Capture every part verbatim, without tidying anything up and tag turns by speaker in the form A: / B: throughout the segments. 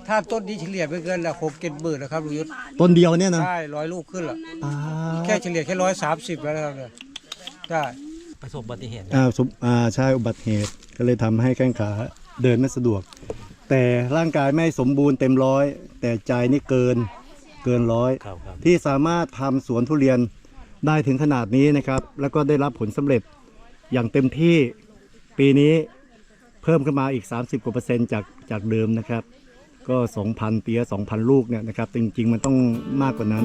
A: ถ้าต้นนี้เฉลี่ยไปเกินละหกเจ็ดหมื่นนะครับลุงยุทธ
B: ต้นเดียวเนี่ยนะ
A: ใช่ร้อยลูกขึ้นละ
B: อ่า
A: แค่เฉลี่ยแค่ร้อยสามสิบแล้วนะครับเนี่ยใช่
C: ประสบอุบัติเหตุ
B: อ่าสมอ่าใช่อุบัติเหตุก็เลยทำให้แข้งขาเดินไม่สะดวก แต่ร่างกายไม่สมบูรณ์เต็มร้อยแต่ใจนี่เกินเกินร้อย
C: ครับครับ
B: ที่สามารถทำสวนทุเรียนได้ถึงขนาดนี้นะครับ แล้วก็ได้รับผลสำเร็จอย่างเต็มที่ปีนี้เพิ่มขึ้นมาอีก สามสิบ กว่าเปอร์เซ็นต์จากจากเดิมนะครับ ก็ สองพัน ปีละ สองพัน ลูกเนี่ยนะครับจริงๆมันต้องมากกว่านั้น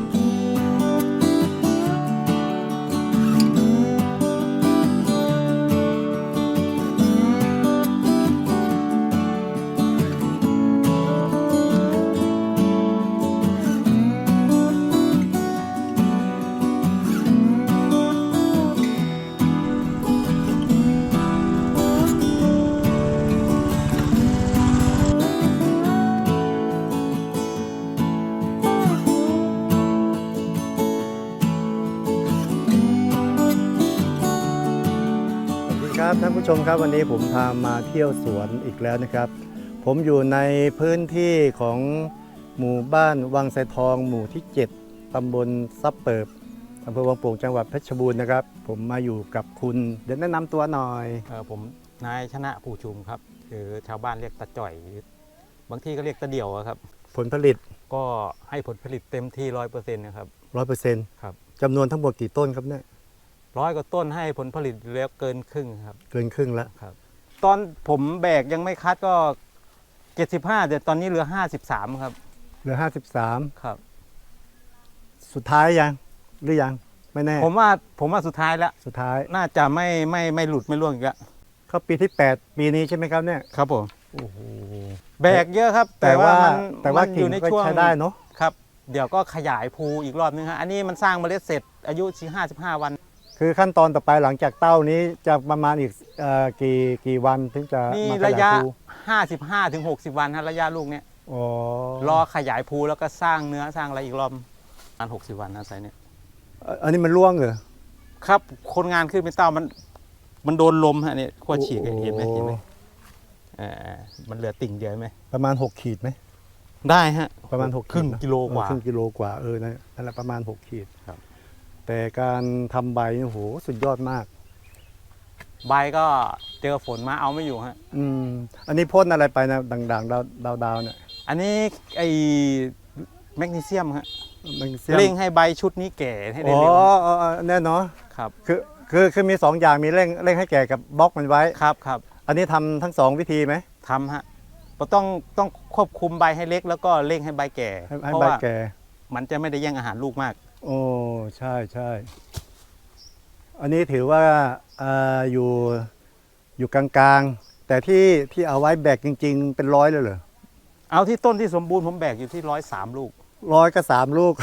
B: สวัสดีครับท่านผู้ชมครับวันนี้ผมพามาเที่ยวสวนอีกแล้วนะครับ ผมอยู่ในพื้นที่ของหมู่บ้านวังไซทองหมู่ที่เจ็ดตำบลซับเปิบอำเภอวังโป่งจังหวัดเพชรบูรณ์นะครับผมมาอยู่กับคุณเดี๋ยวแนะนำตัวหน่อย
C: เอ่อผมนายชนะผู้ชุมครับหรือชาวบ้านเรียกตาจ่อยหรือบางที่ก็เรียกตาเดี่ยวอะครับ
B: ผลผลิต
C: ก็ให้ผลผลิตเต็มที่ร้อยเปอร์เซ็นต์นะครับ
B: ร้อยเปอร์เซ็นต์
C: ครับ
B: จำนวนทั้งหมดกี่ต้นครับเนี่ย
C: ร้อยกว่าต้นให้ผลผลิตแล้วเกินครึ่งครับ
B: เกินครึ่งแล้ว
C: ครับ ตอนผมแบกยังไม่คัดก็เจ็ดสิบห้าแต่ตอนนี้เหลือห้าสิบสามครับ
B: เหลือห้าสิบสาม
C: ครับ
B: สุดท้ายยังหรือยังไม่แน่
C: ผมว่าผมว่าสุดท้ายแล้ว
B: สุดท้าย
C: น่าจะไม่ไม่ไม่หลุดไม่ล่วงอีกแล้ว
B: เข้าปีที่แปดปีนี้ใช่ไหมครับเนี่ย
C: ครับผม
B: โอ้โห
C: แบกเยอะครับ
B: แต่ว่า
C: มัน
B: แต่ว่า
C: มันอ
B: กิ่ง
C: ยู่ใน
B: ก็
C: ช่วง
B: ใช้ได้เนาะ
C: ครับเดี๋ยวก็ขยายภูอีกรอบนึงฮะอันนี้มันสร้างเมล็ดเสร็จอายุสี่ห้าสิบห้าวัน
B: คือขั้นตอนต่อไปหลังจากเต้านี้จะประมาณอีกเอ่อกี่กี่วันถึงจะ
C: นี่
B: มาข
C: ระ
B: ยาย
C: ยะ
B: ภู
C: ห้าสิบห้าถึงหกสิบวันฮะระยะลูกเนี้ย
B: อ๋อ
C: รอขยายภูแล้วก็สร้างเนื้อสร้างอะไรอีกรอบประมาณหกสิบวันนะไซส์เนี้ย
B: เอ่ออันนี้มันร่วงเหรอ
C: ครับคนงานขึ้นเป็นเต้ามันมันโดนลมฮะเนี่ยขั้วฉีก
B: โอ้โห
C: เห็นไหมเห็นไหมเออมันเหลือติ่งเดียวไหม
B: ประมาณหกขีดไหม
C: ได้ฮะ
B: ประมาณหก
C: ครึ่ง
B: ขีดนะ
C: กิโลกว่า
B: เออครึ่งกิโลกว่าเออนั่นนั่นแหละประมาณหกขีด
C: ครับ
B: แต่การทำใบนี่โอ้โหสุดยอดมาก
C: ใบก็เจอฝนมาเอาไม่อยู่ฮะ
B: อืมอันนี้พ่นอะไรไปนะด่างๆดาวดาวดาวๆเนี่ย
C: อันนี้ไอ้แมกนีเซียมฮะ
B: มันเสียม
C: เร่งให้ใบชุดนี้แก่ให้ได้
B: อ๋อ
C: เร็ว
B: อ๋ออ๋อแน่นอน
C: ครับ
B: คือคือคือมีสองอย่างมีเร่งเร่งให้แก่กับบล็อกมันไว้
C: ครับครับ
B: อันนี้ทำทั้งสองวิธีไหม
C: ทำฮะก็ต้องต้องควบคุมใบให้เล็ก แล้วก็เร่งให้ใบแก่
B: ให้ให้
C: เพราะ
B: ใบ
C: ว่า
B: แก่
C: มันจะไม่ได้แย่งอาหารลูกมาก
B: โอ้ใช่ใช่อันนี้ถือว่าเอ่ออยู่อยู่กลางๆ แต่ที่ที่เอาไว้แบกจริง ๆ เป็นร้อยเลยเหรอ
C: เอาที่ต้นที่สมบูรณ์ผมแบกอยู่ที่ร้อยสามลูก
B: ร้อยก็สามลูก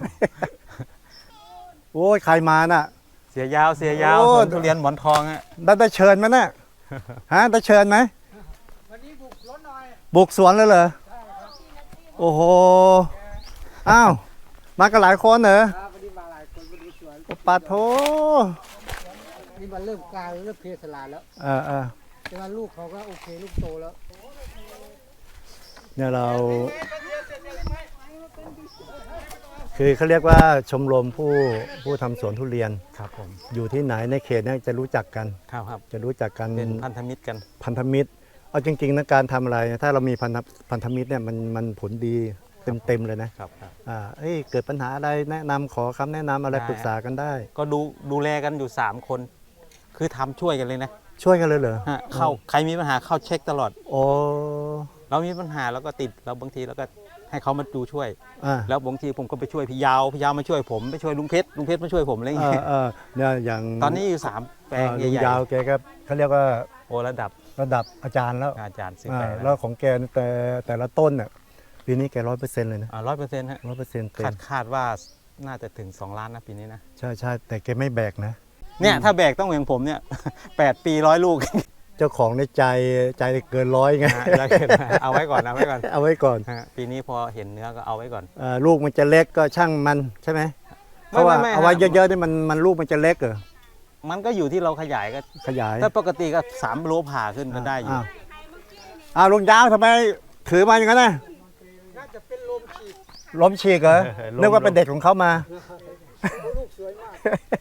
B: โอ้ยใครมาน่ะ
C: เสียยาวเสียยาว
B: โอ้
C: สวนทุเรียนหมอนทองฮะ
B: ได้ได้เชิญไหมน่ะ ฮะได้เชิญไหม
A: วันนี้บุกรถหน่อย
B: บุกสวนเลยเหรอโอ้โหอ้าวมากันหลายคนเหรอ
A: ครับวันนี้มาหลายคนมาดูสวน
B: โอปัดโถ
A: นี่มันเริ่มกลางเริ่มเพสลาแล้ว
B: เออเออ
A: แต่ว่าลูกเขาก็โอเคลูกโตแล้ว
B: เนี่ยเรา คือเขาเรียกว่าชมรมผู้ผู้ทำสวนทุเรียน
C: ครับผม
B: อยู่ที่ไหนในเขตเนี่ยจะรู้จักกัน
C: ครับครับ
B: จะรู้จักกัน
C: เป็นพันธมิตรกัน
B: พันธมิตร เอาจริงๆนะการทำอะไรนะถ้าเรามีพันธพันธมิตรเนี่ยมันมันผลดีเต็มๆเลยนะครับ
C: ครับ
B: อ่าเอ้ยเกิดปัญหาอะไรแนะนำขอคำแนะนำอะไร
C: ได้
B: ปรึกษากันได้
C: ก็ดูดูแลกันอยู่สามคน คือทำช่วยกันเลยนะ
B: ช่วยกันเลยเหรอ
C: ฮะเข้าใครมีปัญหาเข้าเช็คตลอด
B: โอ้
C: เรามีปัญหาแล้วก็ติดแล้วบางทีเราก็ให้เขามาดูช่วย
B: อ่า
C: แล้วบางทีผมก็ไปช่วยพี่ยาวพี่ยาวมาช่วยผมไปช่วยลุงเพชรลุงเพชรมาช่วยผมอะไรอย่าง
B: เออ
C: เงี้ย
B: เออเนี่ยอย่าง
C: ตอนนี้อยู่สามแปลง
B: เอ่อ
C: ให
B: ลุง
C: ญ่
B: ยาวแกก็เขาเรียกว่า
C: ๆโอระดับ
B: ระดับอาจารย์แล้ว
C: อาจารย์สิบ
B: อ่า
C: แปด
B: แล้วของแกนี่แต่แต่ละต้นเนี่ยปีนี้แกร้อยเปอร์เซ็นต์เลยนะ
C: ร้อยเปอร์เซ็นต์ฮะ
B: ร้อยเปอร์เซ็นต์เต็
C: คาม ดคาดว่าน่าจะถึงสองล้านนะปีนี้นะ
B: ใช่ใช่แต่แกไม่แบกนะ
C: เนี่ยถ้าแบกต้องเหมือนผมเนี่ย แปดปีร้อยลูก
B: เจ้าของในใจใจเกินร้อยไง
C: นะแล้วก็เอาไว้ก่อนเอาไว้ก่อน
B: เอาไว้ก่อน
C: ฮะปีนี้พอเห็นเนื้อก็เอาไว้ก่อน
B: อ่าลูกมันจะเล็กก็ช่างมันใช่ไหมเพ
C: ไม่
B: ราะว่า
C: ไม่ไม่
B: เอาไว้
C: ฮะ
B: เยอะๆนี่มันมันลูกมันจะเล็กเหรอ
C: มันก็อยู่ที่เราขยายก็
B: ขยาย
C: ถ้าปกติก็สามโลผ่าขึ้นก็ได้อยู่
B: อ้าวอ้าวลุงยาวทำไมถือมาอย่างนั้นนะ
A: น่าจะเป็นลมฉีด
B: ล้มฉีกเหรอ
C: ล้ม
B: นึกว่าเป็นเด็กของเขามา
A: ลูกสวยมาก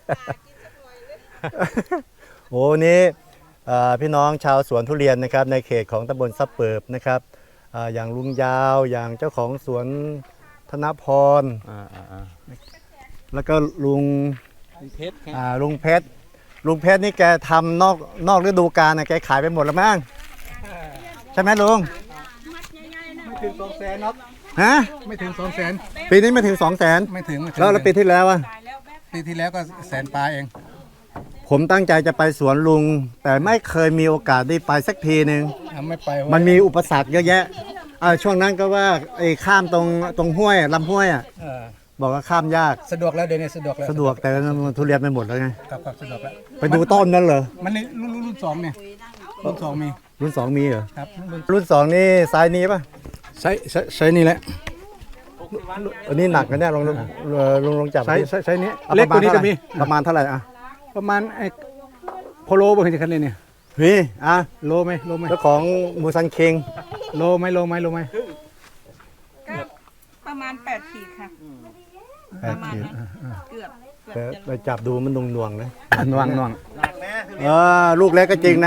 B: โอ้วันนี้อ่าพี่น้องชาวสวนทุเรียนนะครับในเขตของตำบลซับเปิบนะครับอ่าอย่างลุงยาวอย่างเจ้าของสวนธนพร
C: อ่าอ่าอ่า
B: แล้วก็ลุง
A: เพชรครับ
B: อ่าลุงเพชรลุงเพชรนี่แกทำนอกนอกฤดูกาลนะแกขายไปหมดแล้วมั้งใช่ไหมลุง
A: ไม่ถึงสองแสนครับ
B: ฮะ
A: ไม่ถึงสองแสน
B: ปีนี้ไม่ถึงสองแสน
A: ไม่ถึงไม่ถึง
B: แล้วแล้วปีที่แล้วอะ
A: ปีที่แล้วก็แสนปลาเอง
B: ผมตั้งใจจะไปสวนลุง แต่ไม่เคยมีโอกาสได้ไปสักทีหนึ่ง
A: อ่ะไม่ไป
B: มันมีอุปสรรคเยอะแยะอ่าช่วงนั้นก็ว่าไอ้ข้ามตรงตรงห้วยลำห้วยอ่ะ
A: เออ
B: บอกว่าข้ามยาก
A: สะดวกแล้วเดี๋ยวนี้สะดวกแล้ว
B: สะดวกแต่ทุเรียนไปหมดแล้วไง
A: ครับครับสะดวกแล้ว
B: ไปดูต้นนั้นเหรอ
A: มันนี่รุ่นรุ่นรุ่นสองเนี่ยรุ่นสองมี
B: รุ่นสองมีเหรอ
A: ครับรุ่น
B: รุ่นสองนี่ไซส์นี้ป่ะ
A: ใช้ใช้ใช้นี่แหละ
B: อันนี้หนักนะเนี่ยลองลองเอ่อลองลองจับ
A: ใช้
B: ดิ
A: ใช้ใช้นี้
B: อา
A: เล็กกว่านี้
B: ประ
A: ก็
B: ณ
A: มี
B: เท่าไหร่ประมาณเท่าไหร่อ่ะ
A: ประมาณไอ้โพโลบ่เห็นคันนี้เนี่ย
B: พี่อ่ะ
A: โลไหมโลไหม
B: เจ้าของมูซันคิง
A: โลไหมโลไหมโลไหม
D: ก็ประมาณแปดขีดค่ะ
B: แปดขีด
D: เกือบเกือบ
B: แต่
D: จะ
B: ไปจับดูมันหน่วงๆนะ
A: นวงนวง
B: เออลูกเล็กก็จริงนะ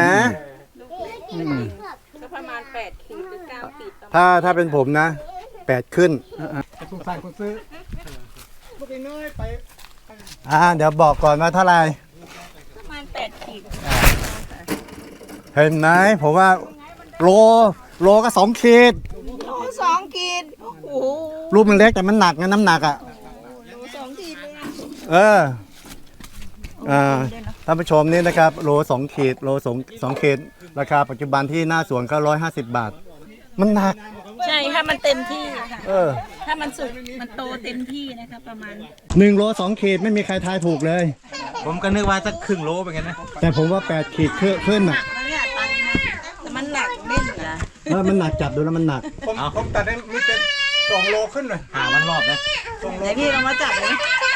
D: ก็ประมาณแปดขีดหรือเก้าขีดประมาณ
B: ถ้าถ้าเป็นผมนะแปดขึ้น
A: สงสารคนซื้อลูกน้อยไป
B: อ่าเดี๋ยวบอกก่อนว่าเท่าไหร่
D: ประมาณแปดขีด
B: เห็นไหมผมว่าโลโลก็สองขีด
D: โอ้สองขีดโอ้โห
B: รูปมันเล็กแต่มันหนักนะน้ำหนักอ่ะ
D: โลสองขีดเลยอะ
B: เอออ่าท่านผู้ชมนี่นะครับโลสองขีดโลสองสองขีดราคาปัจจุบันที่หน้าสวนก็ร้อยห้าสิบบาท มันหนัก
D: ใช่ถ้ามันเต็มที่ค่ะ
B: เออ
D: ถ้ามันสุกมันโตเต็มที่นะคะประมาณ
B: หนึ่งโลสองขีดไม่มีใครทายถูกเลย
C: ผมก็นึกว่าสักครึ่งโลเป็นไงนะ
B: แต่ผมว่าแปดขีดขึ้นขึ้นอ่ะ
D: แล้วเนี่ยตันนะแต่มันหนักเล่นนะ
B: เออมันหนักจับดูแล้วมันหนัก
A: ผมผมตัดได้มีเป็นสองโลขึ้นเลย
C: หาวันรอบนะ
D: ไหนพี่ลองมาจับเลย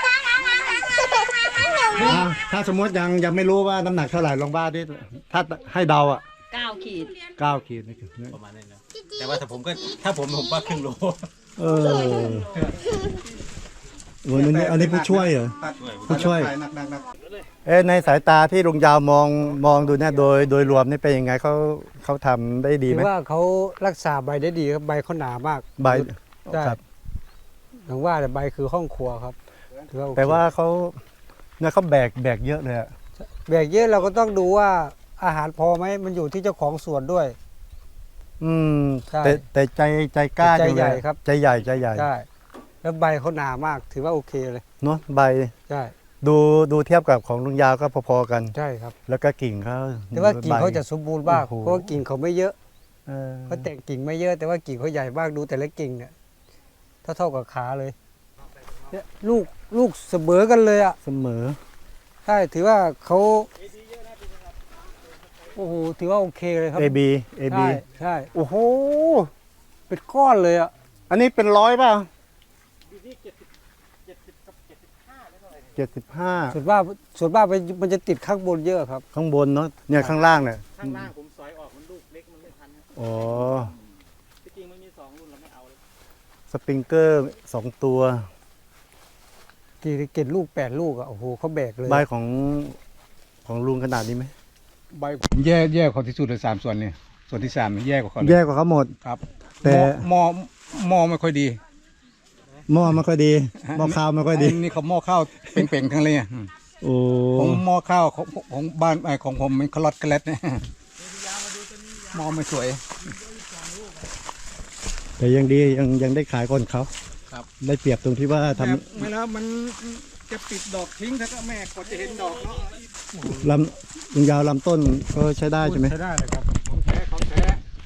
B: อ่าถ้าสมมติยังยังไม่รู้ว่าน้ำหนักเท่าไหร่ลองว่าดิถ้าให้เดาอ่ะ
D: เก้าขีด
B: เก้าขีดนี่คือ
C: ประมาณนั้นนะแต่ว่าถ้าผมก็ถ้าผมผมว่าครึ่งโล
B: เออโอ้ยนี่อันนี้ผู้ช่วยเหรอ ผู้ช่วย
A: หนักหนักหนัก
B: เอ๊ะในสายตาที่ลุงยาวมองมองดูเนี่ยโดยโดยรวมนี่เป็นยังไงเขาเขาทำได้ดี
E: ถื
B: ไหม
E: อว่าเขารักษาใบได้ดีครับใบเขาหนามาก
B: ใบ
E: ใช่
B: ครับ
E: ถึงว่าแต่ใบคือห้องครัวครับถือว่าโอเค
B: แต่ว่าเขาเนี่ยเขาแบกแบกเยอะเลยอะ
E: แบกเยอะเราก็ต้องดูว่าอาหารพอไหมมันอยู่ที่เจ้าของสวนด้วย
B: อืม
E: ใช่
B: แต่แต่ใจใจกล้า
E: ใจ
B: จังเลย
E: ใหญ่ครับ
B: ใจใหญ่ใจใหญ่
E: ใช่แล้วใบเขาหนามาก ถือว่าโอเคเลย
B: เนาะใบ
E: ใช่
B: ดูดูเทียบกับของลุงยาวก็พอๆกัน
E: ใช่ครับ
B: แล้วก็กิ่งเขา
E: แต่ว่ากิ่ง
B: ใบ
E: เขาจะสมบูรณ์มาก
B: โอ้โห
E: เพราะว่ากิ่งเขาไม่เยอะ
B: เออ
E: เขาแต่งกิ่งไม่เยอะแต่ว่ากิ่งเขาใหญ่มากดูแต่ละกิ่งเนี่ยเท่าเท่าๆกับขาเลยเนี่ยลูกลูกเสมอกันเลยอ่ะ
B: เสมอ
E: ใช่ถือว่าเขาโอ้โหถือว่าโอเคเลยครับ
B: A B A B
E: ใช่ใช่โอ้โหเป็นก้อนเลยอ่ะ
B: อันนี้เป็นร้อยเปล่าเจ็ดสิบห้า
E: ส่วนมากส่วนมากมันมันจะติดข้างบนเยอะครับ
B: ข้างบนเนาะเนี่ยข้างล่างเนี่ย
C: ข้างล่างผมซอยออกมันลูกเล็กมันไม่ทันครับ
B: อ๋อ
C: ที่จริงมันมีสองรุ่นเราไม่เอาเลย
B: สปริงเกอร์สองตัว
E: กี่เกล็ดลูกแปดลูกอ่ะโอ้โหเขาแบกเลย
B: ใบของของลุงขนาดนี้ไหม
A: ใบผมแย่แย่กว่าที่สุดเลยสามส่วนเนี่ยส่วนที่สามเนี่ยแย่กว่าเขาเลย
B: แย่กว่าเขาหมด
A: ครับ
B: แต่
A: หม้อหม้อไม่ค่อยดี
B: หม้อไม่ค่อยดีหม้อข้าวไม่ค่อยดี
A: นนี่เขาหม้อข้าวเป่งๆทั้งเลยอ่ะ
B: โอ้
A: ของหม้อข้าวของของบ้านไอ้ของผมมันคลอดกระเล็ดเนี่ยหม้อไม่สวย
B: แต่ยังดียังยังได้ขายก่อนเขา
A: ครับ
B: ได้เปรียบตรงที่ว่าท
A: ไม่แล้วมันจะปิดดอกทิ้งถ้าก็แม่กว่าจะเห็นดอกเนาะ
B: ำลำลุงยาวลำต้นก็ใช้ได้ใช่ไหม
A: ใช้ได้เลยครับของแท้ของแท้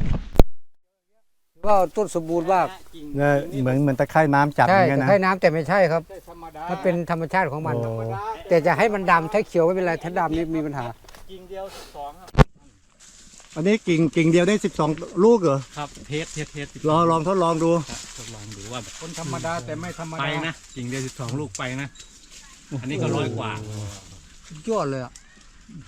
E: ว่าต้นสมบูรณ์มาก
B: เนี่ยเหมือนเหมือนตะไคร่น้ำจับอ
E: ใช่
B: ย่างเงี้ย
E: แต่
B: นะ
E: ให้น้ำแต่ไม่ใช่ครับ
A: ธรรมดา
E: มันเป็นธรรมชาติของมัน
B: โอ้
E: แต่จะให้มันดำถ้าเขียวไม่เป็นไรถ้าดำนี่มีปัญหา
C: กิ่งเดียวสองครับ
B: อันนี้กิ่งกิ่งเดียวได้สิบสองลูกเหรอ
C: ครับเทสเทสเทส
B: ลองลองทดลองดู
C: ทดลองดูว่าแบบ
A: คนธรรมดาแต่ไม่ธรรม
C: ไป
A: ดา
C: นะกิ่งเดียวสิบสองลูกไปนะ อันนี้ก็ร้อยกว่า
E: สุดยอดเลยอ่ะ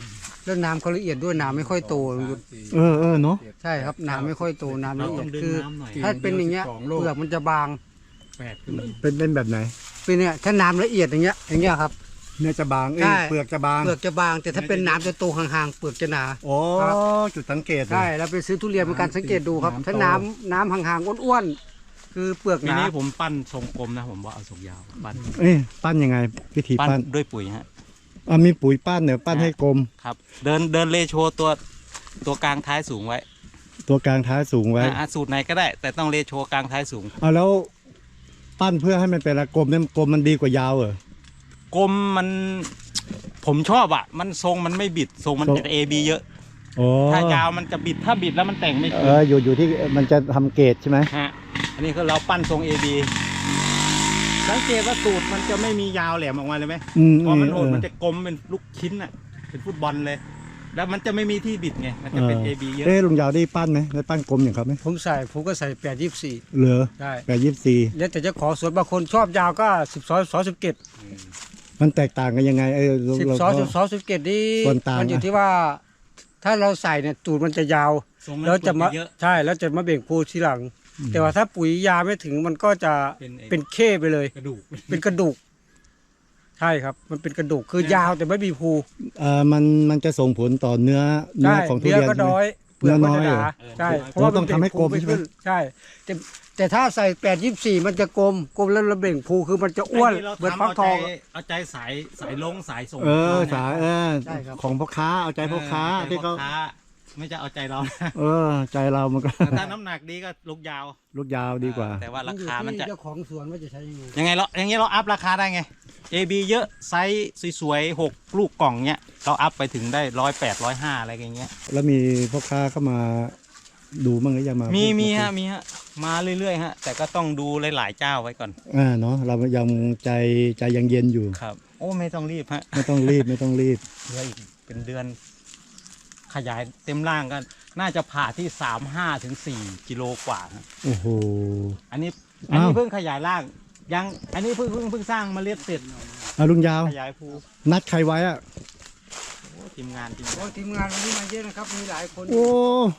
E: แล้วน้ำเขาละเอียดด้วยน้ำไม่ค่อยโตลุงยุทธ
B: เออเออเนาะ
E: ใช่ครับน้ำไม่ค่อยโตน้ำละเอียด
C: เราต้องดึง
E: คือ
C: น้ำหน่อย
E: ถ้าเป็นอย่างเงี้ยเปลือกมันจะบาง
A: แปดขึ้นมา
B: เป็นเป็นแบบไหน
E: เป็นเนี่ยถ้าน้ำละเอียดอย่างเงี้ยอย่างเงี้ยครับ
B: เนื้อจะบางเอ้ย
E: ใช่
B: เปลือกจะบาง
E: เปลือกจะบาง แต่ถ้าเป็นน้ำจะโตห่างๆเปลือกจะหนา
B: โอ้
E: ครับ
B: จุดสังเกตเลย
E: ใช่แล้วไปซื้อทุเรียนเป็นการสังเกตดูครับ ถ้าน้ำน้ำห่างๆอ้วนๆคือเปลือกห
C: ปี
E: นา
C: นี้ผมปั้นทรงกลมนะผมว่าเอาทรงยาวปั้น
B: เอ้ยปั้นยังไงวิธี
C: ปั้น
B: ปั้น
C: ด้วยปุ๋ยฮะ
B: อ่ะมีปุ๋ยปั้นเนี่ยปั้นให้กลม
C: ครับเดินเดินเลโชตัวตัวกลางท้ายสูงไว้
B: ตัวกลางท้ายสูงไว้
C: อ่ะสูตรไหนก็ได้ แต่ต้องเลโชกลางท้ายสูง
B: เอาแล้วปั้นเพื่อให้มันเป็นละกลมเนี่ยกลมมันดีกว่ายาวเหรอก
C: ลมมันผมชอบอ่ะ มันทรงมันไม่บิดทรงมัน
B: ทรง
C: จะ เอ บี เยอะ
B: โอ้
C: ถ้ายาวมันจะบิดถ้าบิดแล้วมันแต่งไม่
B: เอ
C: ขึ้น
B: ออยู่อยู่ที่มันจะทำเกตใช่ไหม
C: ฮะอันนี้คือเราปั้นทรง เอ บี สังเกตว่าสูตรมันจะไม่มียาวแหลมออกมาเลยไหม
B: อืม
C: พอมันโห
B: เอ
C: ด
B: อ
C: มันจะกลมเป็นลูกชิ้นอ่ะเป็นฟุตบอลเลย แล้วมันจะไม่มีที่บิดไงมันจะเป็น เอ บี เยอะ
B: เอ้ลุงยาวได้ปั้นไหมได้ปั้นกลมอย่างเขาไหม
E: ผมใส่ผมก็ใส่แปดยี่สี่
B: เหลือ
E: ได้
B: แปดยี่สิบสี่
E: แล้วแต่เจ้าของสวนบางคนชอบยาวก็สิบสองสองสิบเจ็ด
B: มันแตกต่างกันยังไงเออเรา
E: สิบ
B: เรา
E: สอง
B: ก็
E: สิบสองสิบเจ็ดนี่
B: ส่วนต่าง
E: มันอยู่
B: อะ
E: ที่ว่า ถ้าเราใส่เนี่ยตูดมันจะยาว
C: ทรงมัน
E: แล้วจะมา
C: เยอะ
E: ใช่แล้วจะมาเบ่งพูทีหลัง แต่ว่าถ้าปุ๋ยยาไม่ถึงมันก็จะ
C: เป็นไอ้
E: เป็นเข้ไปเลย
C: กระดูก
E: เป็นกระดูก ใช่ครับ มันเป็นกระดูกคือยาวแต่ไม่มีภู
B: เออมันมันจะส่งผลต่อเนื้อเนื้อ
E: ใช่
B: ของทุ
E: เนื้อ
B: เรียน
E: ก็
B: ใช่ไหม
E: น้อยเปลือกก็
B: เนื้อน้อย
E: จะห
B: เหร
E: นา
B: อ
E: ใช่
B: เพราะว่าต้องทำให้กลม
E: นเบ่ง
B: ใช่ไหม
E: ภูขึ้นใช่แต่แต่ถ้าใส่แปดยี่สี่มันจะกลมกลมแล้วระเบ่งภูคือมันจะอ้วน
C: ไที่เรา
E: เหมือน
C: ทำ
E: ฟักทอง
C: เาใจเอาใจสายสายลงสายส่ง
B: เออสายเออ
E: ใช่ครับ
B: ของพ่อค้าเอาใจพ่อค้า
C: เออ
B: ที่เขา
C: พ่อค้าไม่จะเอาใจเรา
B: เออ ใจเรามันก็
C: แต่ถ้าน้ำหนักดีก็ลูกยาว
B: ลูกยาวดีกว่า
C: แต่ว่าราคามันจะ
E: เจ้าของสวนว่าจะใช้ยังไง
C: ยังไงเราอย่างเงี้ยเราอัพราคาได้ไง เอ บี เยอะไซส์สวยๆหกลูกกล่องเนี้ยเราอัพไปถึงได้ร้อยแปดร้อยห้าอะไรอย่างเงี้ย
B: แล้วมีพ่อค้าเข้ามาดูบ้างหรือยังมา
C: มี
B: พูด
C: มี
B: คุย
C: ฮะมีฮะมาเรื่อยๆฮะแต่ก็ต้องดูหลายๆเจ้าไว้ก่อน
B: อ่าเนาะเรายังใจใจยังเย็นอยู่
C: ครับ โอ้ไม่ต้องรีบฮะ
B: ไม่ต้องรีบไม่ต้องรีบ
C: เหลืออีกเป็นเดือน ขยายเต็มร่างก็น่าจะผ่าที่สามห้าถึงสี่กิโลกว่าฮะ
B: โอ้โห
C: อันนี้อันนี้
B: อ้าว
C: เพิ่งขยายร่าง ยังอันนี้เพิ่งเพิ่งเพิ่งสร้างเมาเล็ดเสร็จ
B: อาลุงยาว
C: ขยายภู
B: นัดใครไว้อะ
C: โอ้ทีมงานทีม
E: โอ้
C: งาน
E: ทีมงานวันนี้มาเยอะนะครับมีหลายคน
B: โอ้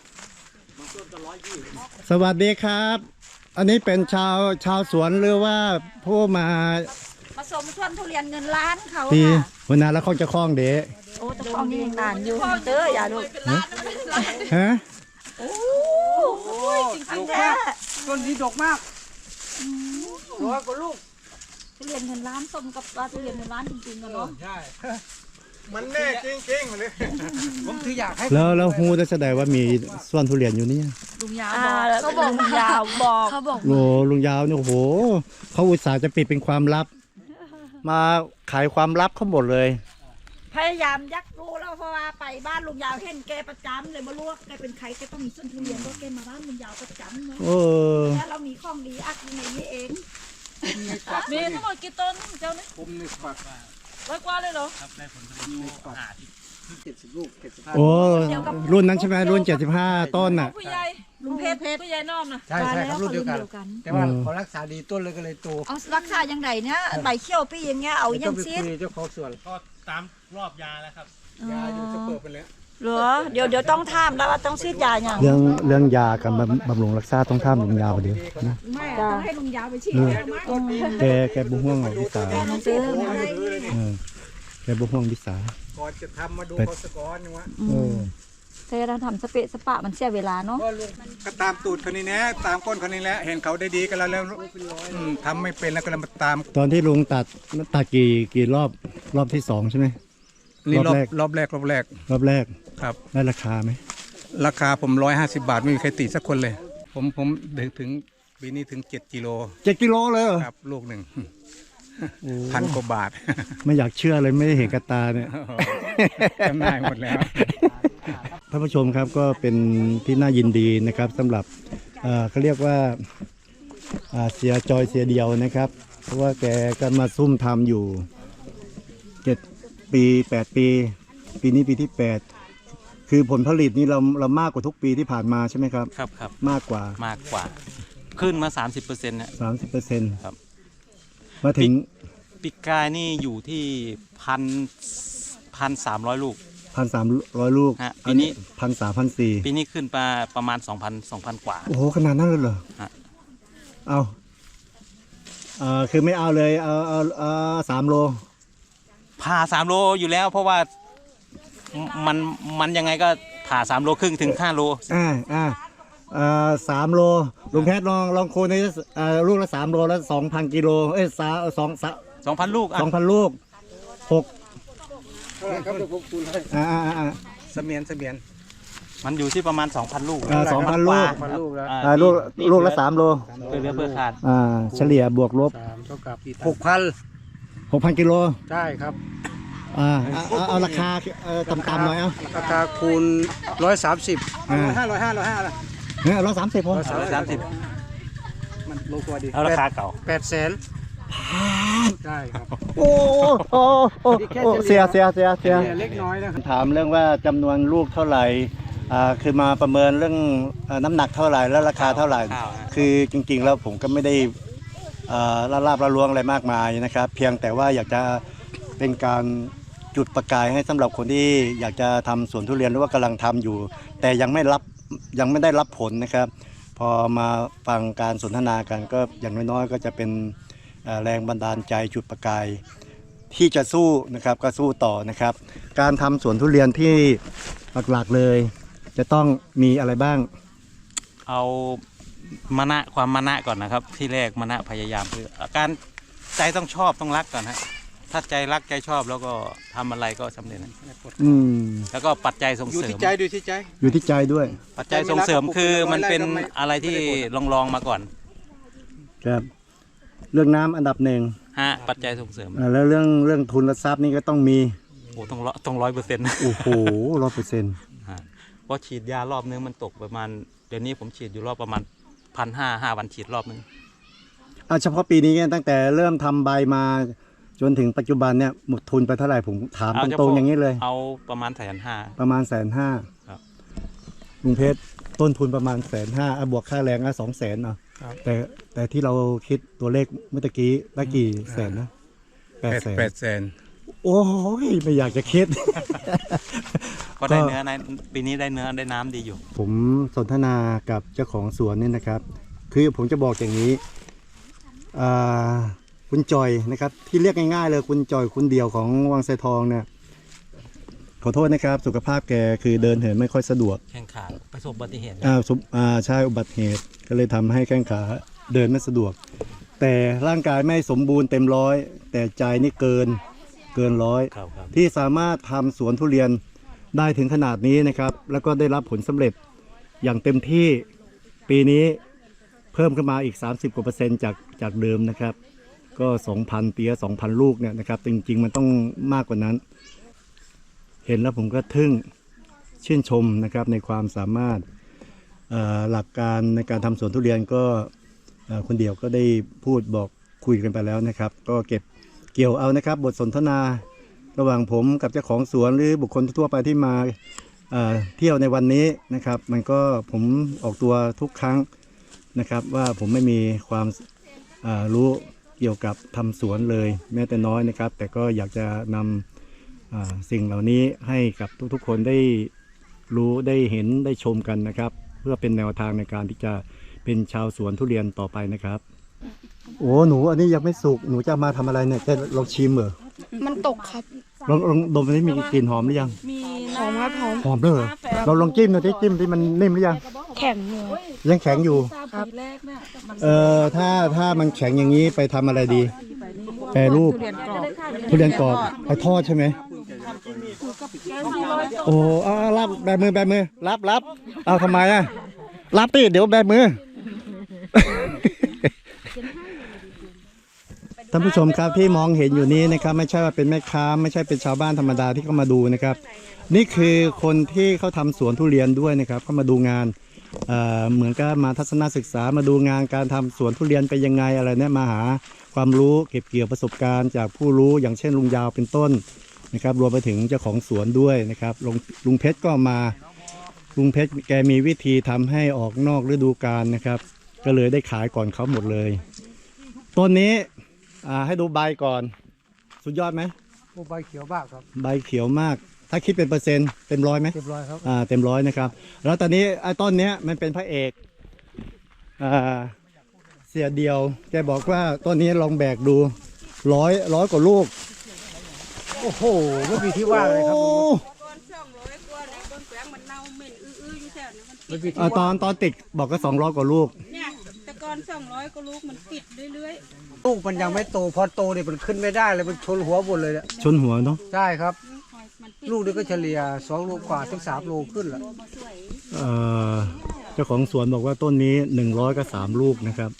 B: สวัสดีครับ อันนี้เป็นชาวชาวสวนหรือว่าผู้มา
D: ผสมส่วนทุเรียนเงินล้านเขา
B: ที
D: ค่ะ
B: วันนั้นแล้วเขาจะคล้องเดะ
D: โอ้ตะกองนี่ยังนานอยู่เด้ออย่าลูก
B: ฮะ
D: โอ้ยจริงๆแท้
E: ต้นนี้ดกมากร้อยกว่าลูก
D: ทุเรียนเงินล้านสมกับว่าทุเรียนเงินล้านจริงๆกันเนาะ
E: ใช่
A: มันแน่จริงๆเลย
E: ผมถืออยากให้
B: แล้วแล้วฮูได้แสดงว่ามีส่วนทุเรียนอยู่เนี่ย
D: ลุงยาวบอกเขาบอกลุงยาวบอกเขาบอก
B: โอ้ลุงยาวเนี่ยโอ้โหเขาอุตส่าห์จะปิดเป็นความลับ มาขายความลับเขาหมดเลย
D: พยายามยักรู้แล้วเพราะว่าไปบ้านลุงยาวเห็นแกประจำเลยมารู้ว่าแกเป็นใครแกต้องมีส้นทุเรียนเพราะแกมาบ้านลุงยาวประจำเนาะ
B: เออ
D: แล้วเรามีของดีอักอยู่ในนี้เอง
F: มีทั้งหมดกี่ต้นเจ้านี่
E: ผมนึกปัก
F: ร้อยกว่าเลยเหรอ
C: ครับได้ผลผลิตอยู่ห้าที่
E: เจ็ดสิบลูกเจ็ดสิบห้า
B: โอ้รุ่นนั้นใช่ไหมรุ่นเจ็ดสิบห้าต้นน่ะ
F: ผู้ใหญ่
D: ลุงเพชรเพชร
F: ผู้ใหญ่น้อมนะ
E: ใช่ใช่ครับรุ่นเดียวกัน
D: กัน
E: แต่ว่า
B: อืม
E: เขารักษาดีต้นเลยก็เลยโต
D: เอารักษายังไงเนี่ยใบเขียวปีอย่างเงี้ยเอายั
E: ต้อง
D: ง
E: ไป
D: ซี
E: คุ
D: ด
E: ยเจ้าของสวน
C: ก็ตามรอบยาแล้วครับ
E: ยาอยู่จะเปิดไปแล้ว
D: เหรอเดี๋ยวเดี๋ยวต้องทำแล้วว่าต้องซีดยาอย่าง
B: เรื่องเรื่องยากับบำบำรุงรักษาต้องท่ามลุงยาวเดียวนะ
D: ไม่ต้องให้ลุงยาวไปฉีด
B: เออ
D: แล้วมั้ง
B: แกแกบุห่วงวิสา
D: แกต้องซื้อมา
B: เออแกบุห่วงวิสา
E: ก่อนจะทำมาดูเขาสกอนนึงวะ
B: เออ
D: แต่เราทำสเปะสปะมันเสียเวลาเนาะ
E: ก็ลุง
A: ก็ตามตูดคนนี้แนะตามก้นคนนี้แหละเห็นเขาได้ดีกันแล้วแล้วอืมทำไม่เป็นแล้วก็เลยมาตาม
B: ตอนที่ลุงตัดตัดกี่กี่รอบรอบที่สองใช่ไหม
A: นี่รอบ
B: รอบแรก
A: รอบแรกรอบแรก
B: รอบแรก
A: ครับ
B: ได้ราคาไหม
A: ราคาผมร้อยห้าสิบบาทไม่มีใครติสักคนเลย ผมผมถึงถึงปีนี้ถึงเจ็ดกิโล
B: เจ็ดกิโลเลยเหรอ
A: ครับลูกหนึ่ง
B: โอ้
A: พันกว่าบาท
B: ไม่อยากเชื่อเลยไม่ได้เห็นกับตาเนี่ย
A: จำได้หมดแล้ว
B: ท่านผู้ชมครับก็เป็นที่น่ายินดีนะครับสำหรับเอ่อเขาเรียกว่าอ่าเสียจอยเสียเดียวนะครับ เพราะว่าแกก็มาซุ่มทำอยู่เจ็ดปีแปดปี ปีนี้ปีที่แปดคือผลผลิตนี่เราเรามากกว่าทุกปีที่ผ่านมาใช่ไหมครับ
C: ครับครับ
B: มากกว่าม
C: ากกว่า ขึ้นมา สามสิบเปอร์เซ็นต์นะ
B: สามสิบเปอร์เซ็นต์
C: ครับ
B: มาถึง
C: ปีกายนี่อยู่ที่พันพันสามร้อยลูก
B: พพันสามร้อยลูก
C: ฮะปีนี้
B: พันสามพันสี่
C: ปีนี้ขึ้นมาประมาณสองพันสองพันกว่า
B: โอ้โหขนาดนั้นเลยเหรอ
C: ฮะ
B: เอาเอ่อคือไม่เอาเลยเอาเอาเอาสามโล
C: ผ่าสามโลอยู่แล้ว เพราะว่ามันมันยังไงก็ผ่าสามโลครึ่งถึงห้าโล
B: อ่าอ่าเอ่อสามโลลุงแพทย์ลองลองคูณในเอ่อลูกละสามโลแล้วสองพันกิโลเอ้ยสาสองสา
C: สองพันลูกอ่ะ
B: สองพันลูกหก
E: ครับเดี๋ยวผมคูณให้
B: อ่าอ่าอ่า
A: เสมียนเสมียน
C: มันอยู่ที่ประมาณสองพันลูก
B: อ่าสองพันลูก
E: พันลูกแล้ว
B: อ่าลูกลูกละสามโล
C: เพื่อเหลือเพื่อขาด
B: อ่าเฉลี่ยบวกลบ
E: สามเท่ากับหกพัน
B: หกพันกิโล
E: ได้ครับ
B: อ่าเอาเอาเอาราคาเอ่อต่ำๆหน่อยเอา
E: ราคาคูณร้อยสามสิบ
B: อ่า
A: ห้าร้อยห้าร้อยห้าละ
B: เนี่ยร้อยสามสิบพอ
C: สามสามสิบ
A: มันโลกว่าดี
C: เอาราคาเก่า
E: แปดแสนได้ครับ
B: โอ้โอ้โอ้โอ้เสียเสียเสียเสีย
E: เล็กน้อยนะครับ
B: ถามเรื่องว่าจำนวนลูกเท่าไหร่อ่าคือมาประเมินเรื่องเอ่อน้ำหนักเท่าไหร่แล้วราคาเท่าไหร่
C: ข้าวฮะ
B: คือจริงๆแล้วผมก็ไม่ได้เอ่อละลาบละล้วงอะไรมากมายนะครับ เพียงแต่ว่าอยากจะเป็นการจุดประกายให้สำหรับคนที่อยากจะทำสวนทุเรียนหรือว่ากำลังทำอยู่ แต่ยังไม่รับยังไม่ได้รับผลนะครับ พอมาฟังการสนทนากันก็อย่างน้อยๆก็จะเป็นเอ่อแรงบันดาลใจจุดประกายที่จะสู้นะครับก็สู้ต่อนะครับ การทำสวนทุเรียนที่หลักๆเลย จะต้องมีอะไรบ้าง
C: เอามานะความมานะก่อนนะครับ ที่แรกมานะพยายามคือการใจต้องชอบต้องรักก่อนฮะถ้าใจรักใจชอบแล้วก็ทำอะไรก็สำเร็จนะ
B: อืม
C: แล้วก็ปัจจัยส่ง
A: อยู่
C: เสริ
A: ที่
C: ม
A: ใจดูที่ใจ
B: อยู่ที่ใจด้วย
C: ปัจจัยส่งเสริมคือมันเป็นอะไรที่ลองลองๆมาก่อน
B: ครับเรื่องน้ำอันดับหนึ่ง
C: ฮะปัจจัยส่งเสริม
B: อ่าแล้วเรื่องเรื่องทุนทรัพย์นี่ก็ต้องมี
C: โอ้ต้องร้อยต้องร้อยเปอร์เซ็นต์
B: โอ้โหร้อยเปอร์เซ็นต์
C: เพราะฉีดยารอบนึงมันตกประมาณเดี๋ยวนี้ผมฉีดอยู่รอบประมาณพันห้าห้าวันฉีดรอบนึง
B: อ่าเฉพาะปีนี้เนี่ยตั้งแต่เริ่มทำใบมาจนถึงปัจจุบันเนี่ยหมดทุนไปเท่าไหร่ผมถาม
C: เอา
B: ต
C: เฉ
B: รง
C: พาะ
B: ๆอย่างนี้เลย
C: เอาประมาณแสนห้า
B: ประมาณแสนห้า
C: ครับ
B: ลุงเพชรต้นทุนประมาณแสนห้าบวกค่าแรงอ่ะสองแสนเนาะ
E: ครับ
B: แต่แต่ที่เราคิดตัวเลขเมื่อตะกี้ได้กี่แสนนะแปดแสน
A: แปดแสน
B: โอ้ยไม่อยากจะคิด
C: ก็ได้เนื้อในปีนี้ได้เนื้อได้น้ำดีอยู่
B: ผมสนทนากับเจ้าของสวนเนี่ยนะครับ คือผมจะบอกอย่างนี้อ่าคุณจอยนะครับ ที่เรียกง่ายๆเลยคุณจอยคุณเดียวของวังไซทองเนี่ยขอโทษนะครับ สุขภาพแกคือเดินเหินไม่ค่อยสะดวก
C: แข่งขาประสบอุบัติเหตุ
B: อ่าสุอ่าใช่อุบัติเหตุก็เลยทำให้แข้งขาเดินไม่สะดวก แต่ร่างกายไม่สมบูรณ์เต็มร้อย แต่ใจนี่เกินเกินร้อย
C: ครับครับ
B: ที่สามารถทำสวนทุเรียนได้ถึงขนาดนี้นะครับ แล้วก็ได้รับผลสำเร็จอย่างเต็มที่ปีนี้เพิ่มขึ้นมาอีก สามสิบ กว่าเปอร์เซ็นต์จากจากเดิมนะครับ ก็ สองพัน เตีย สองพัน ลูกเนี่ยนะครับจริงๆมันต้องมากกว่านั้น เห็นแล้วผมก็ทึ่งชื่นชมนะครับในความสามารถเอ่อหลักการในการทำสวนทุเรียนก็เอ่อคนเดียวก็ได้พูดบอกคุยกันไปแล้วนะครับ ก็เก็บเกี่ยวเอานะครับ บทสนทนาระหว่างผมกับเจ้าของสวนหรือบุคคลทั่วไปที่มาเอ่อเที่ยวในวันนี้นะครับ มันก็ผมออกตัวทุกครั้งนะครับ ว่าผมไม่มีความเอ่อรู้เกี่ยวกับทำสวนเลยแม้แต่น้อยนะครับ แต่ก็อยากจะนำอ่าสิ่งเหล่านี้ให้กับทุกๆคนได้รู้ได้เห็นได้ชมกันนะครับ เพื่อเป็นแนวทางในการที่จะเป็นชาวสวนทุเรียนต่อไปนะครับ โอ้หนูอันนี้ยังไม่สุกหนูจะมาทำอะไรเนี่ยจะลองชิมเหรอ
G: มันตกครับ
B: ลองลองดมอันนี้มีกลิ่นหอมหรือยัง
F: มี
G: หอมครับหอม
B: หอมด้วยเหรอเราลองจิ้มหน่อยที่จิ้มที่มันนิ่มหรือยัง
G: แข็งเลย
B: ยังแข็งอยู่
F: ครับปีแรกเนี่ยมัน
B: เอ่อถ้าถ้ามันแข็งอย่างนี้ไปทำอะไรดี แปรรูป
F: เรียนกรอบ
B: ทุเรียนกรอบไปทอดใช่ไหมโอ้เอาเอารับแบมือแบมือรับรับเอาทำไมอ่ะรับติเดี๋ยวแบมือ ท่านผู้ชมครับที่มองเห็นอยู่นี้นะครับ ไม่ใช่ว่าเป็นแม่ค้าไม่ใช่เป็นชาวบ้านธรรมดาที่เข้ามาดูนะครับ นี่คือคนที่เขาทำสวนทุเรียนด้วยนะครับเข้ามาดูงานเอ่อเหมือนกับมาทัศนศึกษามาดูงานการทำสวนทุเรียนเป็นยังไงอะไรเนี่ยมาหาความรู้เก็บเกี่ยวประสบการณ์จากผู้รู้อย่างเช่นลุงยาวเป็นต้นนะครับ รวมไปถึงเจ้าของสวนด้วยนะครับลุงลุงเพชรก็มาลุงเพชรแกมีวิธีทำให้ออกนอกฤดูกาลนะครับ ก็เลยได้ขายก่อนเขาหมดเลยต้นนี้อ่าให้ดูใบก่อนสุดยอดไหม
E: โอ้ใบเขียวบ้ากครับ
B: ใบเขียวมากถ้าคิดเป็นเปอร์เซ็นต์เต็มร้อยไหม
E: เรียบร้อยครับ
B: อ่าเต็มร้อยนะครับแล้วตอนนี้ไอ้ต้นเนี้ยมันเป็นพระเอกอ่าเสียเดียวแกบอกว่าต้นนี้ลองแบกดูร้อยร้อยกว่าลูก
E: โอ้โหไม่มีที่ว่างเลยครับ
B: โอ้
E: ไม่มีที่
B: อ่าตอ
E: ว่าง
B: นตอนติดบอกก็สองร้อยกว่าลูก
H: เนี่ยแต่ก่อนสองร้อยก็ลูกมันติดเรื่อย
E: ลูกมันยังไม่โตพอโตเนี่ยมันขึ้นไม่ได้เลยมันชนหัวหมดเลยเนี่ย
B: ชนหัวเนาะ
E: ใช่ครับ
H: ๆมันติด
E: ลูกนี่ก็เฉลี่ยสองโลกว่าถึงสามโลขึ้นละ
B: เอ่อเจ้าของสวนบอกว่าต้นนี้หนึ่งร้อยกับสามลูกนะครับ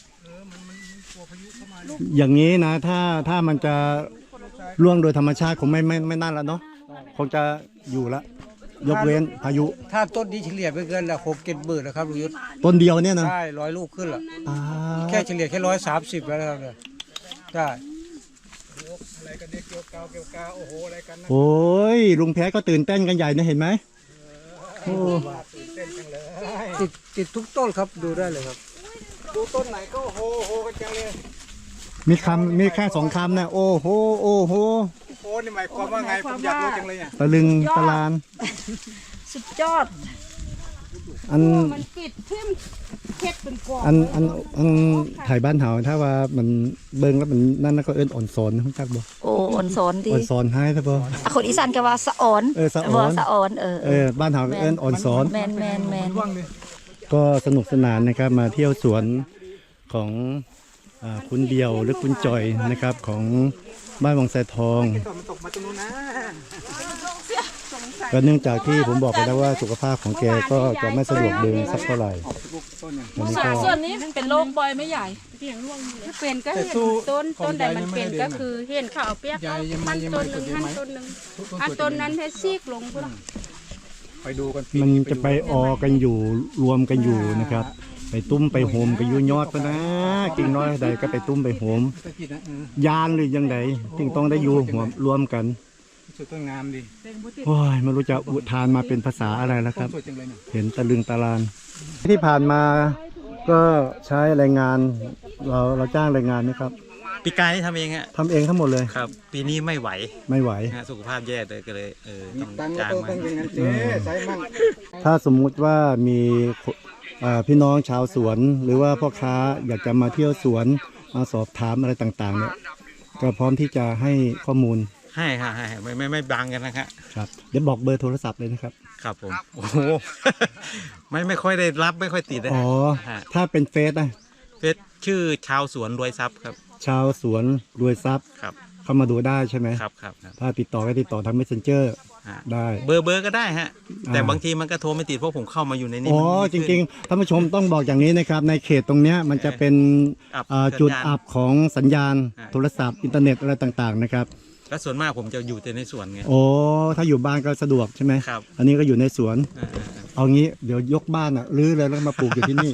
B: อย่างนี้นะถ้าถ้ามันจะร่วงโดยธรรมชาติคงไม่ไม่ไม่นั่นแล้วเนาะคงจะอยู่ละยกเว้นพายุ
E: ถ้าต้นนี้เฉลี่ยไปเกินละหกเจ็ดหมื่นนะครับลุงยุทธ
B: ต้นเดียวเนี่ยนะ
E: ใช่ร้อยลูกขึ้นละ
B: อ่า
E: แค่เฉลี่ยแค่ร้อยสามสิบแล้วนะครับเนี่ยได้
B: โอ้ยลุงแพ้ก็ตื่นเต้นกันใหญ่นะเห็นไหมโอ้
E: ติดติดทุกต้นครับดูได้เลยครับ
A: ดูต้นไหนก็โหโหกันจังเลย
B: มีคำมีแค่สองคำนะโอ้โหโอ้โห
A: โอ้นี่หมายความว่าไงผมอยากรู้จังเลยอ่ะ
B: ตะลึงตะลาน
D: สุดยอด
B: อัน
H: มันติดทิ่มเพ็ดเป็นกอง
B: อันอันอันถ่ายบ้านเฮาถ้าว่ามันเบิ่งแล้วมันนั่นน่ะก็เอิ้นอ่อนสอนรู้จักบ่
G: โอ้อ่อนสอนดี
B: อ่อนสอนให้ซะบ่
G: อ่ะคนอีสานก็ว่าสะออน
B: เออสะออน
G: ว่าสะออนเออ
B: เออบ้านเฮาก็เอิ้นอ่อนสอน
G: แมนแมนแมน
B: ก็สนุกสนานนะครับมาเที่ยวสวนของอ่าคุณเดียวหรือคุณจอยนะครับของบ้านวังไสทอง
A: มันตกมาตรงนู้นนะ
B: ก็เนื่องจากที่ผมบอกไปแล้วว่าสุขภาพของแกก็จะไม่สะดวกเดินสักเท่าไหร่
A: ต้นอย่าง
B: วันนี้ก็
F: ส่วนนี้เป็นโรคบอยไม่ใหญ่
H: ถ้าเป็นก็เห็นต้นต้นใดมันเป็นก็คือเห็นเขาเอาเปียกเอามันต้นหนึ่งหั่นต้นหนึ่งอันต้นนั้นให้ซีกลงพุ่น
A: ไปดูกัน
B: มันจะไปออกันอยู่รวมกันอยู่นะครับ ไปตุ้มไปโหมกันอยู่ยอดปะนะกิ่งน้อยใดก็ไปตุ้มไปโหม
A: ตะกี้นะเออย
B: านหรือยังไงจึงต้องได้อยู่หัวรวมกัน
A: สวยต้นงามดี
B: โอ้ยไม่รู้จะอุทานมาเป็นภาษาอะไรแล้วครับ
A: สวยจังเลยเนี่ย
B: เห็นตะลึงตะลาน ที่ผ่านมาก็ใช้แรงงานเราเราจ้างแรงงานนะครับ
C: ปีกายนี่ทำเองฮะ
B: ทำเองทั้งหมดเลย
C: ครับ ปีนี้ไม่ไหว
B: ไม่ไหว
C: นะฮะสุขภาพแย่เลยก็เลยเออ
A: มี
C: ต้อง
A: ตังค์
C: จ้าง
A: ก็
C: มา
A: ต้องเป็นอย่างนั้นเจ๊ใช้มั่ง
B: ถ้าสมมุติว่ามีเอ่อพี่น้องชาวสวน หรือว่าพ่อค้าอยากจะมาเที่ยวสวนมาสอบถามอะไรต่างๆเนี่ยก็พร้อมที่จะให้ข้อมูล
C: ให้ค่ะให้ไม่ไม่ไม่บังกันนะครับ
B: ครับเดี๋ยวบอกเบอร์โทรศัพท์เลยนะครับ
C: ครับผมโอ้โห ไม่ไม่ค่อยได้รับไม่ค่อยติดนะ
B: อ๋อ
C: ฮะ
B: ถ้าเป็นเฟซนะ
C: เฟซชื่อชาวสวนรวยทรัพย์ครับ
B: ชาวสวนรวยทรัพย์
C: ครับ
B: เข้ามาดูได้ใช่ไหม
C: ครับครับครับ
B: ถ้าติดต่อก็ติดต่อทาง messenger
C: ฮะ
B: ได้
C: เบอร์เบอร์ก็ได้ฮะ แต่
B: อ่า
C: บางทีมันก็โทรไม่ติดเพราะผมเข้ามาอยู่ในนี้
B: อ๋อ
C: มัน
B: จ
C: ไม่ขึ้น
B: ริงๆท่านผู้ชมต้องบอกอย่างนี้นะครับ ในเขตตรงเนี้ยมันจะเป็น
C: อับ
B: เอ่อ
C: สัญญาณ
B: จุดอับของสัญญาณ
C: อ่า
B: โทรศัพท์อินเทอร์เน็ตอะไรต่างๆนะครับ
C: แล้วส่วนมากผมจะอยู่แต่ในสวนไง
B: โอ้ถ้าอยู่บ้านก็สะดวกใช่ไหม
C: ครับ
B: อันนี้ก็อยู่ในสวน
C: อ่าอ่าอ่า
B: เอางี้เดี๋ยวยกบ้านอ่ะรื้อเลยแล้วมาปลูกอยู่ที่นี่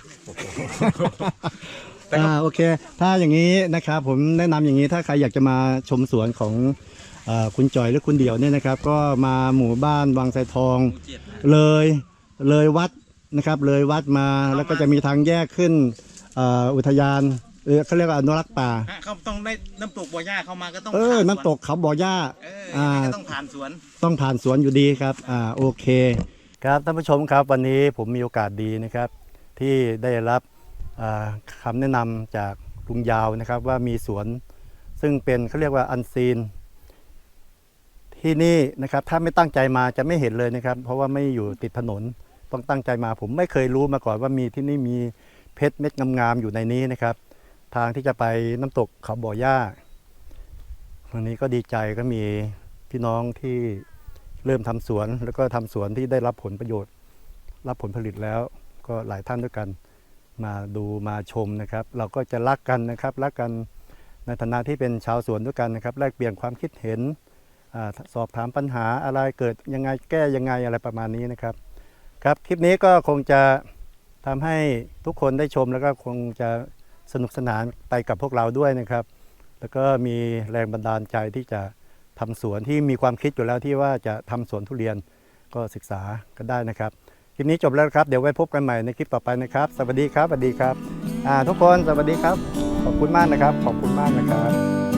B: อ่าโอเค ถ้าอย่างนี้นะครับผมแนะนำอย่างนี้ถ้าใครอยากจะมาชมสวนของเออคุณจอยหรือคุณเดี่ยวเนี่ยนะครับ ก็มาหมู่บ้านวังไสทอง
C: หมู่เจ็ดนะ
B: เลยเลยวัดนะครับ เลยวัดมาแล้วก็จะมีทางแยกขึ้นเอ่ออุทยานเออเขาเรียกว่าอนุรักษ์ป่า
C: ฮะเขาต้องได้น้ำตกบ่อหญ้าเข้ามาก็ต้อง
B: เออ
C: ผ่าสว
B: น้ำตกเขาบ่อหญ้า
C: เออ
B: อ่า
C: ยังไงก็ต้องผ่านสวน
B: ต้องผ่านสวนอยู่ดีครับ อ่า โอเค ครับท่านผู้ชมครับวันนี้ผมมีโอกาสดีนะครับ ที่ได้รับอ่าคำแนะนำจากลุงยาวนะครับว่ามีสวนซึ่งเป็นเขาเรียกว่าอันซีนที่นี่นะครับถ้าไม่ตั้งใจมาจะไม่เห็นเลยนะครับ เพราะว่าไม่อยู่ติดถนนต้องตั้งใจมา ผมไม่เคยรู้มาก่อนว่ามีที่นี่มีเพชรเม็ดงามๆอยู่ในนี้นะครับ ทางที่จะไปน้ำตกเขาบ่อหญ้าวันนี้ก็ดีใจก็มีพี่น้องที่เริ่มทำสวน แล้วก็ทำสวนที่ได้รับผลประโยชน์ รับผลผลิตแล้ว ก็หลายท่านด้วยกันมาดูมาชมนะครับ เราก็จะรักกันนะครับรักกันในฐานะที่เป็นชาวสวนด้วยกันนะครับแลกเปลี่ยนความคิดเห็นอาสอบถามปัญหาอะไรเกิดยังไงแก้ยังไงอะไรประมาณนี้นะครับ ครับคลิปนี้ก็คงจะทำให้ทุกคนได้ชมแล้วก็คงจะสนุกสนานไปกับพวกเราด้วยนะครับ แล้วก็มีแรงบันดาลใจที่จะทำสวนที่มีความคิดอยู่แล้วที่ว่าจะทำสวนทุเรียนก็ศึกษาก็ได้นะครับคลิปนี้จบแล้วครับเดี๋ยวไว้พบกันใหม่ในคลิปต่อไปนะครับ สวัสดีครับสวัสดีครับอ่าทุกคนสวัสดีครับขอบคุณมากนะครับขอบคุณมากนะครับ